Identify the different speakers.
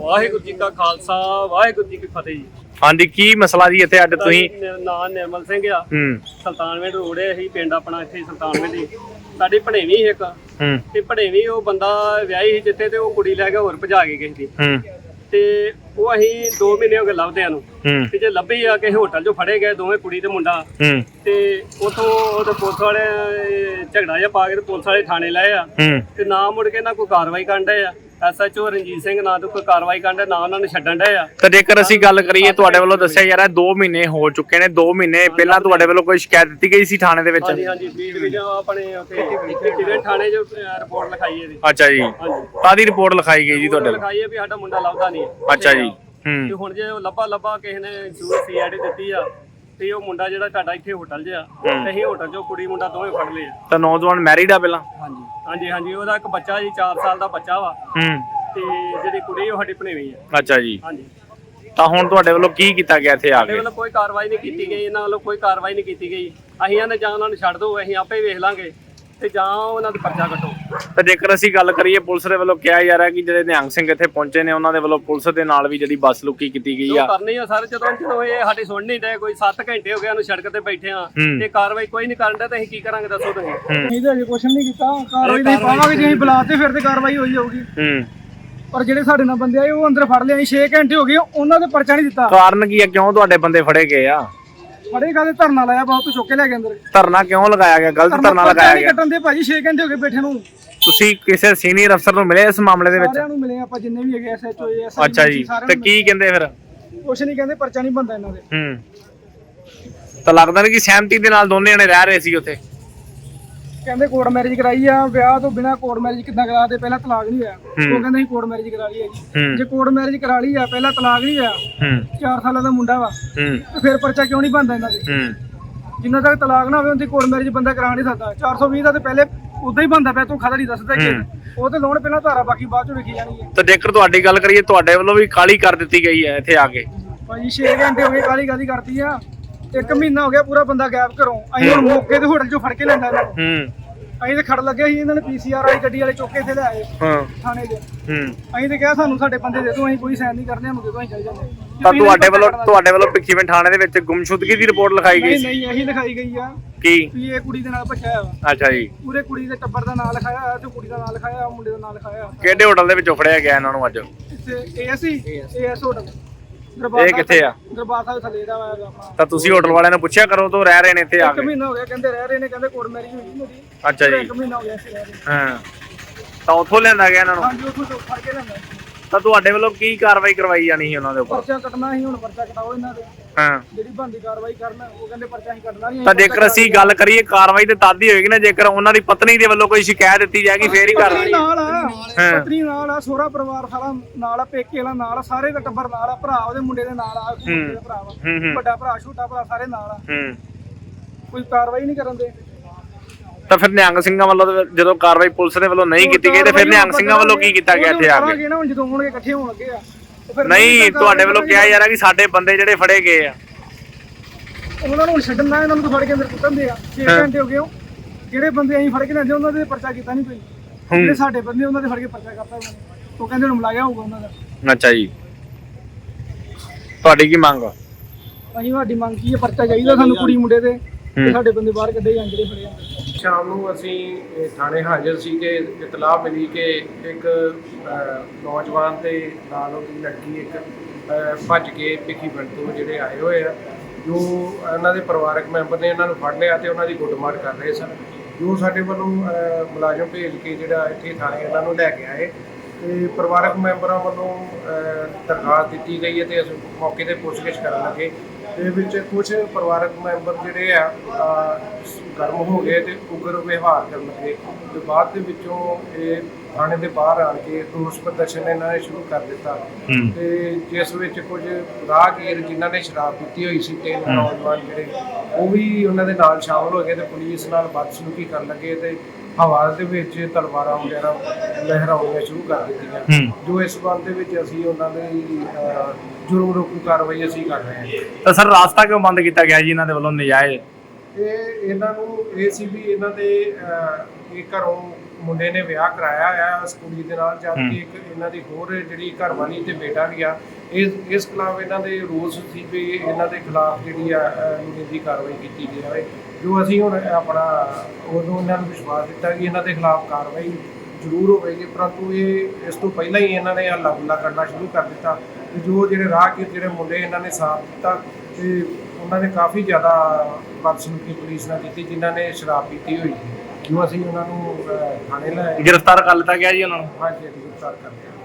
Speaker 1: ਵਾਹਿਗੁਰੂ ਜੀ ਕਾ ਖਾਲਸਾ ਵਾਹਿਗੁਰੂ ਜੀ ਕੀ ਫਤਿਹ ਜੀ।
Speaker 2: ਹਾਂਜੀ, ਕੀ ਮਸਲਾ ਜੀ ਇੱਥੇ ਅੱਡ ਤੁਸੀਂ?
Speaker 1: ਮੇਰਾ ਨਾਮ ਨਿਰਮਲ ਸਿੰਘ ਆ। ਸੁਲਤਾਨਵਿੰਡ ਰੋਡ ਹੈ, ਅਸੀਂ ਪਿੰਡ ਆਪਣਾ ਇੱਥੇ ਸੁਲਤਾਨਵਿੰਡ ਦੀ ਸਾਡੀ ਭਣੇਵੀਂ ਇੱਕ ਤੇ ਭਣੇਵੀਂ ਉਹ ਬੰਦਾ ਵਿਆਹੀ ਸੀ ਜਿੱਥੇ ਤੇ ਉਹ ਕੁੜੀ ਲੈ ਕੇ ਹੋਰ ਭਜਾ ਕੇ ਗਈ ਸੀ ਤੇ ਉਹ ਅਸੀਂ 2 ਮਹੀਨੇ ਹੋ ਗਏ ਲੱਭਦਿਆਂ ਨੂੰ ਤੇ ਜੇ ਲੱਭੀ ਆ ਕਿਸੇ ਹੋਟਲ 'ਚੋਂ ਫੜੇ ਗਏ ਦੋਵੇਂ ਕੁੜੀ ਤੇ ਮੁੰਡਾ ਤੇ ਉਥੋਂ ਉਹਦੇ ਪੁਲਿਸ ਵਾਲੇ ਝਗੜਾ ਜਿਹਾ ਪਾ ਕੇ ਤੇ ਪੁਲਿਸ ਵਾਲੇ ਥਾਣੇ ਲਏ ਆ ਤੇ ਨਾ ਮੁੜ ਕੇ ਨਾ ਕੋਈ ਕਾਰਵਾਈ ਕਰਨ ਡਏ ਆ। SHO ਰਣਜੀਤ ਸਿੰਘ ਨਾ ਤੋਂ ਕੋਈ ਕਾਰਵਾਈ ਕਰਨ ਡਏ ਨਾ ਉਹਨਾਂ ਨੂੰ ਛੱਡਣ ਡਏ ਆ।
Speaker 2: ਤਾਂ ਜੇਕਰ ਅਸੀਂ ਗੱਲ ਕਰੀਏ ਤੁਹਾਡੇ ਵੱਲੋਂ ਦੱਸਿਆ ਜਾ ਰਿਹਾ 2 ਮਹੀਨੇ ਹੋ ਚੁੱਕੇ ਨੇ, 2 ਮਹੀਨੇ ਪਹਿਲਾਂ ਤੁਹਾਡੇ ਵੱਲੋਂ ਕੋਈ ਸ਼ਿਕਾਇਤ ਦਿੱਤੀ ਗਈ ਸੀ ਥਾਣੇ ਦੇ ਵਿੱਚ?
Speaker 1: ਹਾਂਜੀ ਹਾਂਜੀ, ਬੀ ਡਿਵੀਜ਼ਨ ਆਪਣੇ ਉੱਥੇ ਥਾਣੇ 'ਚ ਰਿਪੋਰਟ ਲਿਖਾਈ ਹੈ ਜੀ।
Speaker 2: ਅੱਛਾ ਜੀ, ਕਾਹਦੀ ਰਿਪੋਰਟ ਲਿਖਾਈ ਗਈ ਜੀ ਤੁਹਾਡੇ ਵੱਲੋਂ?
Speaker 1: ਲਿਖਾਈ ਹੈ ਵੀ ਸਾਡਾ ਮੁੰਡਾ ਲੱਭਦਾ ਨਹੀਂ।
Speaker 2: ਅੱਛਾ ਜੀ।
Speaker 1: ਤੇ ਹੁਣ ਜੇ ਉਹ ਲੱਭਾ ਕਿਸੇ ਨੇ ਜ਼ਰੂਰ CID ਦਿੱਤੀ ਆ ਤੇ ਉਹ ਮੁੰਡਾ ਜਿਹੜਾ ਤੁਹਾਡਾ ਇੱਥੇ ਹੋਟਲ 'ਚ ਆ ਤੇ ਅਸੀਂ ਹੋਟਲ 'ਚੋਂ ਕੁੜੀ ਮੁੰਡਾ ਦੋਵੇਂ ਫੜ ਲਏ ਆ।
Speaker 2: ਤਾਂ ਨੌਜਵਾਨ ਮੈਰਿਡ ਆ ਪਹਿਲਾਂ?
Speaker 1: ਹਾਂਜੀ ਹਾਂਜੀ ਹਾਂਜੀ, ਉਹਦਾ ਇੱਕ ਬੱਚਾ ਜੀ 4 ਸਾਲ ਦਾ ਬੱਚਾ ਵਾ ਤੇ ਜਿਹੜੀ ਕੁੜੀ ਉਹ ਸਾਡੀ ਭਣੇਵੀਂ ਆ।
Speaker 2: ਅੱਛਾ ਜੀ।
Speaker 1: ਹਾਂਜੀ,
Speaker 2: ਤਾਂ ਹੁਣ ਤੁਹਾਡੇ ਵੱਲੋਂ ਕੀ ਕੀਤਾ ਗਿਆ ਇੱਥੇ ਆ
Speaker 1: ਸਾਡੇ
Speaker 2: ਕੇ?
Speaker 1: ਵੱਲੋਂ ਕੋਈ ਕਾਰਵਾਈ ਨਹੀਂ ਕੀਤੀ ਗਈ, ਇਹਨਾਂ ਵੱਲੋਂ ਕੋਈ ਕਾਰਵਾਈ ਨਹੀਂ ਕੀਤੀ ਗਈ। ਅਸੀਂ ਇਹਨਾਂ ਜਾਂ ਉਹਨਾਂ ਨੂੰ ਛੱਡ ਦਿਓ, ਅਸੀਂ ਆਪੇ ਵੇਖ ਲਾਂਗੇ ਤੇ ਜਾਂ ਉਹਨਾਂ ਦਾ ਪਰਚਾ ਕੱਟੋ।
Speaker 2: ਤਾਂ ਜੇਕਰ ਅਸੀਂ ਗੱਲ ਕਰੀਏ ਪੁਲਿਸ ਦੇ ਵੱਲੋਂ ਕਿਹਾ ਜਾ ਰਿਹਾ ਕਿ ਜਿਹੜੇ ਨਿਹੰਗ ਸਿੰਘ ਇੱਥੇ ਪਹੁੰਚੇ ਨੇ ਉਹਨਾਂ ਦੇ ਵੱਲੋਂ ਪੁਲਿਸ ਦੇ ਨਾਲ ਵੀ ਜਿਹੜੀ ਬੱਸ ਲੁਕੀ ਕੀਤੀ ਗਈ ਆ।
Speaker 1: ਕਰਨੀ ਆ ਸਰ, ਜਦੋਂ ਇਹ ਸਾਡੀ ਸੁਣ ਨਹੀਂ ਡਏ, ਕੋਈ 7 ਘੰਟੇ ਹੋ ਗਏ ਉਹਨੂੰ ਸੜਕ ਤੇ ਬੈਠੇ ਆ ਤੇ ਕਾਰਵਾਈ ਕੋਈ ਨਹੀਂ ਕਰਨ ਡਿਆ ਤੇ ਅਸੀਂ ਕੀ ਕਰਾਂਗੇ ਦੱਸੋ ਤੁਸੀਂ?
Speaker 3: ਅਸੀਂ ਤਾਂ ਅਜੇ ਕੁਛ ਨਹੀਂ ਕੀਤਾ, ਕਾਰਵਾਈ ਨਹੀਂ ਪਾਵਾਂਗੇ। ਜੇ ਅਸੀਂ ਬੁਲਾਤੇ ਫਿਰ ਤੇ ਕਾਰਵਾਈ ਹੋਈ ਜਾਊਗੀ। ਪਰ ਜਿਹੜੇ ਸਾਡੇ ਨਾਲ ਬੰਦੇ ਆਏ ਉਹ ਅੰਦਰ ਫੜ ਲਿਆ। 6 ਘੰਟੇ ਹੋ ਗਏ ਉਹਨਾਂ ਦੇ ਪਰਚਾ ਨਹੀਂ ਦਿੱਤਾ।
Speaker 2: ਕਾਰਨ ਕੀ ਆ, ਕਿਉਂ ਤੁਹਾਡੇ ਬੰਦੇ ਫੜੇ ਗਏ ਆ?
Speaker 3: ਫੜੇ ਕਾਹਦੇ ਧਰਨਾ ਲਾਇਆ, ਬਹੁਤ ਚੁੱਕ ਕੇ ਲੈ ਗਏ ਅੰਦਰ।
Speaker 2: ਧਰਨਾ ਕਿਉਂ ਲਗਾਇਆ ਗਿਆ? ਗਲਤ ਧਰਨਾ ਲਗਾਇਆ ਗਿਆ।
Speaker 3: ਕੱਟਣ ਦੇ ਭਾਜੀ 6 ਘੰਟੇ ਹੋ ਗਏ ਬੈਠੇ ਨੂੰ।
Speaker 2: ਤੁਸੀਂ ਕਿਸੇ ਸੀਨੀਅਰ ਅਫਸਰ ਨੂੰ ਮਿਲੇ ਇਸ ਮਾਮਲੇ ਦੇ ਵਿੱਚ?
Speaker 3: ਸਾਰਿਆਂ ਨੂੰ ਮਿਲੇ ਆਪਾਂ, ਜਿੰਨੇ ਵੀ ਹੈਗੇ SHO SI।
Speaker 2: ਅੱਛਾ ਜੀ, ਤੇ ਕੀ ਕਹਿੰਦੇ ਫਿਰ?
Speaker 3: ਕੁਛ ਨਹੀਂ ਕਹਿੰਦੇ, ਪਰਚਾ ਨਹੀਂ ਬੰਦਾ ਇਹਨਾਂ ਦੇ।
Speaker 2: ਤਾਂ ਲੱਗਦਾ ਨਹੀਂ ਕਿ ਸਹਿਮਤੀ ਦੇ ਨਾਲ ਦੋਨੇ ਜਣੇ ਰਹਿ ਰਹੇ ਸੀ ਉੱਥੇ?
Speaker 3: ਕਹਿੰਦੇ ਕੋਰਟ ਮੈਰਿਜ ਕਰਾਈ ਆ, ਵਿਆਹ ਤੋਂ ਬਿਨਾ ਕੋਰਟ ਮੈਰਿਜ ਕਿੱਦਾਂ ਕਰਾ ਦੇ? ਪਹਿਲਾਂ ਤਲਾਕ ਨਹੀਂ ਹੋਇਆ। ਉਹ ਕਹਿੰਦੇ ਅਸੀਂ ਕੋਰਟ ਮੈਰਿਜ ਕਰਾ ਲਈ ਹੈ ਜੀ। ਜੇ ਕੋਰਟ ਮੈਰਿਜ ਕਰਾ ਲਈ ਆ, ਪਹਿਲਾਂ ਤਲਾਕ ਨਹੀਂ ਹੋਇਆ, 4 ਸਾਲਾਂ ਦਾ ਮੁੰਡਾ ਵਾ, ਤੇ ਫਿਰ ਪਰਚਾ ਕਿਉਂ ਨਹੀਂ ਬਣਦਾ ਇਹਨਾਂ ਦੇ? ਜਿੰਨਾ ਤੱਕ ਤਲਾਕ ਨਾ ਹੋਵੇ ਉਹਦੀ ਕੋਰਟ ਮੈਰਿਜ ਬੰਦਾ ਕਰਾ ਨਹੀਂ ਸਕਦਾ। 420 ਦਾ ਤੇ ਪਹਿਲੇ ਉਦਾਂ ਹੀ ਬੰਦਾ ਪਿਆ, ਤੂੰ ਖਦਾ ਨਹੀਂ ਦੱਸਦਾ ਕਿ ਉਹ ਤੇ ਲੋਨ ਪਹਿਲਾਂ ਧਾਰਾ, ਬਾਕੀ ਬਾਅਦ ਚੋਂ ਲਿਖੀ ਜਾਣੀ ਹੈ।
Speaker 2: ਤਾਂ ਜੇਕਰ ਤੁਹਾਡੀ ਗੱਲ ਕਰੀਏ ਤੁਹਾਡੇ ਵੱਲੋਂ ਵੀ ਕਾਹਲੀ ਕਰ ਦਿੱਤੀ ਗਈ ਹੈ ਇੱਥੇ ਆ ਕੇ?
Speaker 3: ਭਾਜੀ 6 ਘੰਟੇ ਹੋ ਗਏ ਕਾਹਲੀ ਕਾਹਦੀ ਕਰਤੀ ਆ। 1 ਮਹੀਨਾ ਹੋ ਗਿਆ ਪੂਰਾ ਬੰਦਾ ਗਾਇਬ ਘਰੋਂ। ਅਸੀਂ ਹੁਣ ਮੌਕੇ ਤੇ ਹੋਟਲ ਚੋਂ ਫੜ ਕੇ ਲੈਂਦਾ ਇਹਨਾਂ ਨੂੰ। ਅਸੀਂ ਤੇ ਖੜ ਲੱਗੇ ਸੀ, ਇਹਨਾਂ ਨੇ PCR ਆਈ ਗੱਡੀ ਵਾਲੇ ਚੁੱਕ ਕੇ ਇੱਥੇ ਲੈ ਆਏ ਥਾਣੇ 'ਚ। ਅਸੀਂ ਤੇ ਕਿਹਾ ਸਾਨੂੰ ਸਾਡੇ ਬੰਦੇ ਦੇ ਦਿਓ, ਅਸੀਂ ਕੋਈ ਸਾਈਨ ਨਹੀਂ ਕਰਨੇ, ਸਾਨੂੰ ਦੇ ਦਿਓ, ਅਸੀਂ ਚੱਲ ਜਾਂਦੇ।
Speaker 2: ਤਾਂ ਤੁਹਾਡੇ ਵੱਲੋਂ ਭਿੱਖੀਵਿੰਡ ਥਾਣੇ ਦੇ ਵਿੱਚ ਗੁੰਮਸ਼ੁਦਗੀ ਦੀ ਰਿਪੋਰਟ ਲਿਖਾਈ ਗਈ?
Speaker 3: ਨਹੀਂ, ਇਹੀ ਲਿਖਾਈ ਗਈ ਆ
Speaker 2: ਕੀ
Speaker 3: ਵੀ ਇਹ ਕੁੜੀ ਦੇ ਨਾਲ ਭੱਜਿਆ ਵਾ।
Speaker 2: ਅੱਛਾ ਜੀ।
Speaker 3: ਪੂਰੇ ਕੁੜੀ ਦੇ ਟੱਬਰ ਦਾ ਨਾਮ ਲਿਖਾਇਆ ਹੋਇਆ ਤੇ ਕੁੜੀ ਦਾ ਨਾਮ ਲਿਖਾਇਆ ਹੋਇਆ, ਮੁੰਡੇ ਦਾ ਨਾਮ ਲਿਖਾਇਆ ਹੋਇਆ।
Speaker 2: ਕਿਹੜੇ ਹੋਟਲ ਦੇ ਵਿੱਚੋਂ ਫੜਿਆ ਗਿਆ ਇਹਨਾਂ ਨੂੰ ਅੱਜ?
Speaker 3: ਇੱਥੇ AS ਹੋਟਲ।
Speaker 2: ਇਹ ਕਿੱਥੇ ਆ?
Speaker 3: ਦਰਬਾਰ ਸਾਹਿਬ ਥੱਲੇ ਦਾ ਵਾ ਆਪਣਾ।
Speaker 2: ਤਾਂ ਤੁਸੀਂ ਹੋਟਲ ਵਾਲਿਆਂ ਨੂੰ ਪੁੱਛਿਆ ਕਰੋ ਤੋਂ ਰਹਿ ਰਹੇ ਨੇ ਇੱਥੇ ਆ ਕੇ?
Speaker 3: 1 ਮਹੀਨਾ ਹੋ ਗਿਆ ਕਹਿੰਦੇ ਰਹਿ ਰਹੇ ਨੇ, ਕਹਿੰਦੇ ਕੋਰਟ ਮੈਰਿਜ ਹੋਈ ਮੇਰੀ।
Speaker 2: ਅੱਛਾ ਜੀ।
Speaker 3: 1 ਮਹੀਨਾ ਹੋ ਗਿਆ ਇੱਥੇ ਰਹਿ ਰਹੇ।
Speaker 2: ਹਾਂ, ਤਾਂ ਉੱਥੋਂ ਲਿਆਂਦਾ ਗਿਆ ਇਹਨਾਂ ਨੂੰ?
Speaker 3: ਹਾਂਜੀ, ਉੱਥੋਂ ਫੜ ਕੇ ਲਿਆਂਦਾ।
Speaker 2: ਤਾਂ ਤੁਹਾਡੇ ਵੱਲੋਂ ਕੀ ਕਾਰਵਾਈ ਕਰਵਾਈ ਜਾਣੀ ਸੀ ਉਹਨਾਂ ਦੇ ਉੱਪਰ?
Speaker 3: ਪਰਚਾ ਕੱਟਣਾ ਸੀ, ਹੁਣ ਪਰਚਾ ਕਟਾਓ ਇਹਨਾਂ ਦੇ।
Speaker 2: ਹਾਂ,
Speaker 3: ਜਿਹੜੀ ਬੰਦੀ ਕਾਰਵਾਈ ਕਰਨ, ਉਹ ਕਹਿੰਦੇ ਪਰਚਾ ਹੀ ਕੱਟਣਾ ਨਹੀਂ।
Speaker 2: ਤਾਂ ਜੇਕਰ ਅਸੀਂ ਗੱਲ ਕਰੀਏ ਕਾਰਵਾਈ ਤੇ ਤਦ ਹੀ ਹੋਏਗੀ ਨਾ ਜੇਕਰ ਉਹਨਾਂ ਦੀ ਪਤਨੀ ਦੇ ਵੱਲੋਂ ਕੋਈ ਸ਼ਿਕਾਇਤ ਦਿੱਤੀ ਜਾਏਗੀ ਫੇਰ ਹੀ ਕਾਰਵਾਈ।
Speaker 3: ਨਾਲ ਆ ਪਤਨੀ, ਨਾਲ ਆ ਸਹੁਰਾ ਪਰਿਵਾਰ ਸਾਰਾ ਨਾਲ ਆ, ਪੇਕੇ ਵਾਲਾ ਨਾਲ ਆ, ਸਾਰੇ ਦਾ ਟੱਬਰ ਨਾਲ ਆ, ਭਰਾ ਉਹਦੇ ਮੁੰਡੇ ਦੇ ਨਾਲ ਆ, ਭਰਾ ਵਾ, ਵੱਡਾ ਭਰਾ ਛੋਟਾ ਭਰਾ ਸਾਰੇ ਨਾਲ ਆ। ਕੋਈ ਕਾਰਵਾਈ ਨਹੀਂ ਕਰਨ ਦੇ।
Speaker 2: ਤਾਂ ਫਿਰ ਨਿਹੰਗ ਸਿੰਘਾਂ ਵੱਲੋਂ ਜਦੋਂ ਕਾਰਵਾਈ ਪੁਲਿਸ ਦੇ ਵੱਲੋਂ ਨਹੀਂ ਕੀਤੀ ਗਈ ਤੇ ਫਿਰ ਨਿਹੰਗ ਸਿੰਘਾਂ ਵੱਲੋਂ ਕੀ ਕੀਤਾ ਗਿਆ ਇੱਥੇ ਆ ਕੇ?
Speaker 3: ਹੁਣ ਜਦੋਂ ਹੋਣਗੇ ਇਕੱਠੇ ਹੋਣ ਲੱਗੇ ਆ।
Speaker 2: ਨਹੀਂ, ਤੁਹਾਡੇ ਵੱਲੋਂ ਕਿਹਾ ਜਾ ਰਿਹਾ ਕਿ ਸਾਡੇ ਬੰਦੇ ਜਿਹੜੇ ਫੜੇ ਗਏ ਆ
Speaker 3: ਉਹਨਾਂ ਨੂੰ ਛੱਡਣ ਨਾ, ਇਹਨਾਂ ਨੂੰ ਫੜ ਕੇ ਅੰਦਰ ਕੁੱਟਣਦੇ ਆ। 6 ਘੰਟੇ ਹੋ ਗਏ। ਜਿਹੜੇ ਬੰਦੇ ਅਸੀਂ ਫੜ ਕੇ ਲੈਂਦੇ ਉਹਨਾਂ ਦੇ ਪਰਚਾ ਕੀਤਾ ਨਹੀਂ ਕੋਈ। ਜਿਹੜੇ ਸਾਡੇ ਬੰਦੇ ਉਹਨਾਂ ਦੇ ਫੜ ਕੇ ਪਰਚਾ ਕਰਤਾ ਉਹਨਾਂ ਨੇ। ਉਹ ਕਹਿੰਦੇ ਹੁਣ ਮਲਾਇਆ ਹੋਊਗਾ ਉਹਨਾਂ ਦਾ।
Speaker 2: ਅੱਛਾ ਜੀ, ਤੁਹਾਡੀ ਕੀ ਮੰਗ?
Speaker 3: ਅਸੀਂ ਸਾਡੀ ਮੰਗ ਕੀ ਹੈ, ਪਰਚਾ ਚਾਹੀਦਾ ਸਾਨੂੰ ਕੁੜੀ ਮੁੰਡੇ ਦੇ, ਤੇ ਸਾਡੇ ਬੰਦੇ ਬਾਹਰ ਕੱਢੇ ਜਾਣ ਜਿਹੜੇ ਫੜੇ ਜਾਂਦੇ।
Speaker 4: ਸ਼ਾਮ ਨੂੰ ਅਸੀਂ ਥਾਣੇ ਹਾਜ਼ਰ ਸੀ ਕਿ ਇਤਲਾਹ ਮਿਲੀ ਕਿ ਇੱਕ ਨੌਜਵਾਨ ਤੇ ਨਾਲ ਉਹਦੀ ਲੜਕੀ ਇੱਕ ਭੱਜ ਕੇ ਭਿੱਖੀਵਿੰਡ ਤੋਂ ਜਿਹੜੇ ਆਏ ਹੋਏ ਆ, ਜੋ ਇਹਨਾਂ ਦੇ ਪਰਿਵਾਰਕ ਮੈਂਬਰ ਨੇ ਇਹਨਾਂ ਨੂੰ ਫੜ ਲਿਆ ਤੇ ਉਹਨਾਂ ਦੀ ਗੁੱਟਮਾਰ ਕਰ ਰਹੇ ਸਨ। ਜੋ ਸਾਡੇ ਵੱਲੋਂ ਮੁਲਾਜ਼ਮ ਭੇਜ ਕੇ ਜਿਹੜਾ ਇੱਥੇ ਥਾਣੇ ਇਹਨਾਂ ਨੂੰ ਲੈ ਕੇ ਆਏ ਤੇ ਪਰਿਵਾਰਕ ਮੈਂਬਰਾਂ ਵੱਲੋਂ ਦਰਖਾਸਤ ਦਿੱਤੀ ਗਈ ਹੈ ਤੇ ਅਸੀਂ ਮੌਕੇ 'ਤੇ ਪੁੱਛਗਿੱਛ ਕਰਨ ਲੱਗੇ। ਦੇ ਵਿੱਚ ਕੁਝ ਪਰਿਵਾਰਕ ਮੈਂਬਰ ਜਿਹੜੇ ਆ ਗਰਮ ਹੋ ਗਏ ਤੇ ਉਗਰ ਵਿਵਹਾਰ ਕਰਨ ਲੱਗੇ ਤੇ ਬਾਅਦ ਦੇ ਵਿੱਚੋਂ ਇਹ ਥਾਣੇ ਦੇ ਬਾਹਰ ਆਣ ਕੇ ਰੋਸ ਪ੍ਰਦਰਸ਼ਨ ਇਹਨਾਂ ਨੇ ਸ਼ੁਰੂ ਕਰ ਦਿੱਤਾ ਤੇ ਜਿਸ ਵਿੱਚ ਕੁਝ ਰਾਹਗੀਰ ਜਿਨ੍ਹਾਂ ਨੇ ਸ਼ਰਾਬ ਪੀਤੀ ਹੋਈ ਸੀ ਤੇ ਨੌਜਵਾਨ ਜਿਹੜੇ ਉਹ ਵੀ ਉਹਨਾਂ ਦੇ ਨਾਲ ਸ਼ਾਮਲ ਹੋ ਗਏ ਤੇ ਪੁਲਿਸ ਨਾਲ ਬਦਸਲੂਕੀ ਕਰਨ ਲੱਗੇ ਤੇ ਹਵਾ ਦੇ ਵਿੱਚ ਤਲਵਾਰਾਂ ਵਗੈਰਾ ਲਹਿਰਾਉਣੀਆਂ ਸ਼ੁਰੂ ਕਰ ਦਿੱਤੀਆਂ। ਜੋ ਇਸ ਸੰਬੰਧ ਦੇ ਵਿੱਚ ਅਸੀਂ ਉਹਨਾਂ ਦੀ ਜੁਰਮ ਰੋਕੂ ਕਾਰਵਾਈ ਅਸੀਂ ਕਰ ਰਹੇ ਹਾਂ।
Speaker 2: ਤਾਂ ਸਰ ਰਾਸਤਾ ਕਿਉਂ ਬੰਦ ਕੀਤਾ ਗਿਆ ਜੀ ਇਹਨਾਂ ਦੇ ਵੱਲੋਂ ਨਜਾਇਜ਼?
Speaker 4: ਇਹ ਇਹਨਾਂ ਨੂੰ ਇਹ ਸੀ ਵੀ ਇਹਨਾਂ ਦੇ ਇਹ ਘਰੋਂ ਮੁੰਡੇ ਨੇ ਵਿਆਹ ਕਰਾਇਆ ਆ ਉਸ ਕੁੜੀ ਦੇ ਨਾਲ, ਜਦ ਕਿ ਇੱਕ ਇਹਨਾਂ ਦੀ ਹੋਰ ਜਿਹੜੀ ਘਰਵਾਲੀ ਤੇ ਬੇਟਾ ਵੀ ਆ। ਇਸ ਖਿਲਾਫ ਇਹਨਾਂ ਦੇ ਰੋਸ ਸੀ ਵੀ ਇਹਨਾਂ ਦੇ ਖਿਲਾਫ ਜਿਹੜੀ ਆ ਕਾਨੂੰਨੀ ਕਾਰਵਾਈ ਕੀਤੀ ਜਾਵੇ। ਜੋ ਅਸੀਂ ਹੁਣ ਆਪਣਾ ਉਦੋਂ ਇਹਨਾਂ ਨੂੰ ਵਿਸ਼ਵਾਸ ਦਿੱਤਾ ਕਿ ਇਹਨਾਂ ਦੇ ਖਿਲਾਫ ਕਾਰਵਾਈ ਜ਼ਰੂਰ ਹੋਵੇਗੀ, ਪਰੰਤੂ ਇਹ ਇਸ ਤੋਂ ਪਹਿਲਾਂ ਹੀ ਇਹਨਾਂ ਨੇ ਹੱਲਾ ਗੁੱਲਾ ਕਰਨਾ ਸ਼ੁਰੂ ਕਰ ਦਿੱਤਾ। ਤੇ ਜੋ ਜਿਹੜੇ ਰਾਹਗੀਰ ਜਿਹੜੇ ਮੁੰਡੇ ਇਹਨਾਂ ਨੇ ਸਾਥ ਦਿੱਤਾ ਤੇ ਉਹਨਾਂ ਨੇ ਕਾਫੀ ਜ਼ਿਆਦਾ ਬਦਸਲੂਕੀ ਪੁਲਿਸ ਨਾਲ ਕੀਤੀ, ਜਿਨ੍ਹਾਂ ਨੇ ਸ਼ਰਾਬ ਪੀਤੀ ਹੋਈ ਸੀ। ਜੋ ਅਸੀਂ ਉਹਨਾਂ ਨੂੰ ਥਾਣੇ ਲੈ
Speaker 2: ਗ੍ਰਿਫਤਾਰ ਕਰ ਲਿੱਤਾ ਗਿਆ ਜੀ ਉਹਨਾਂ ਨੂੰ।
Speaker 4: ਹਾਂਜੀ ਗ੍ਰਿਫਤਾਰ ਕਰ ਲਿਆ।